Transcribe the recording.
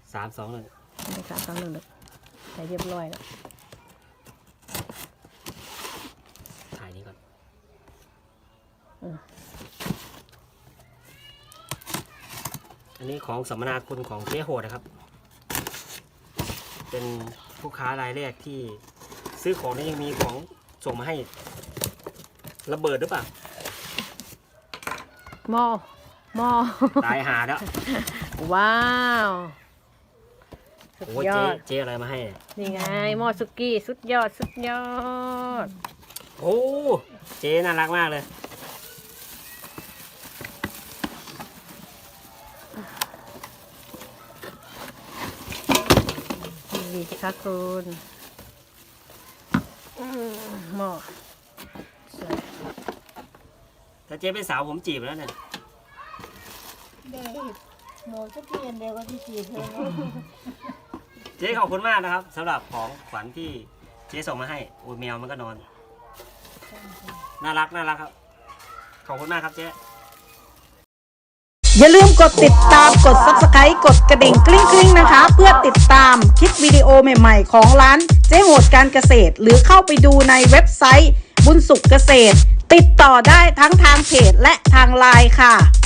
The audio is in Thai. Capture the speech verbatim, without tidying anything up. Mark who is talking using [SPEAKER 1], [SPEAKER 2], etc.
[SPEAKER 1] สามสองหนึ่ง
[SPEAKER 2] ไม่สามสองหนึ่งเลยใส่เรียบร้อยแล้ว
[SPEAKER 1] ถ่ายนี้ก่อนอันนี้ของสัมมนาคุณของเจ๊โหดนะครับเป็นผู้ค้ารายแรกที่ซื้อของนี่ยังมีของส่งมาให้ระเบิดหรือเปล่า
[SPEAKER 2] หม้อหม้อ
[SPEAKER 1] ตายหาแล้ว
[SPEAKER 2] ว้าวสุด
[SPEAKER 1] โอ้ย
[SPEAKER 2] ยอ
[SPEAKER 1] เจ๊
[SPEAKER 2] ด
[SPEAKER 1] เจ๊อะไรมาให้
[SPEAKER 2] นี่ไงหม้อสุกี้สุดยอดสุดยอด
[SPEAKER 1] โอ้เจ๊น่ารักมากเลย
[SPEAKER 2] ดีสิคะคุณหม้อ
[SPEAKER 1] ถ้าเจ๊เป็นสาวผมจีบแล้วเนี่ย
[SPEAKER 3] เด็กหนูจะเปลี่ยนเดียวกับที่จีบเธอ
[SPEAKER 1] เจ๊ขอบคุณมากนะครับสำหรับของขวัญที่เจ๊ส่งมาให้โอ้ยแมวมันก็นอนน่ารักน่ารักครับขอบคุณมากครับเจ๊
[SPEAKER 4] อย่าลืมกดติดตามกด ซับสไครบ์ กดกระดิ่งกริ๊งกริ๊งนะคะ เพื่อติดตามคลิปวิดีโอใหม่ๆของร้านเจ๊โหดการเกษตรหรือเข้าไปดูในเว็บไซต์บุญสุขเกษตรติดต่อได้ทั้งทางเพจและทางไลน์ค่ะ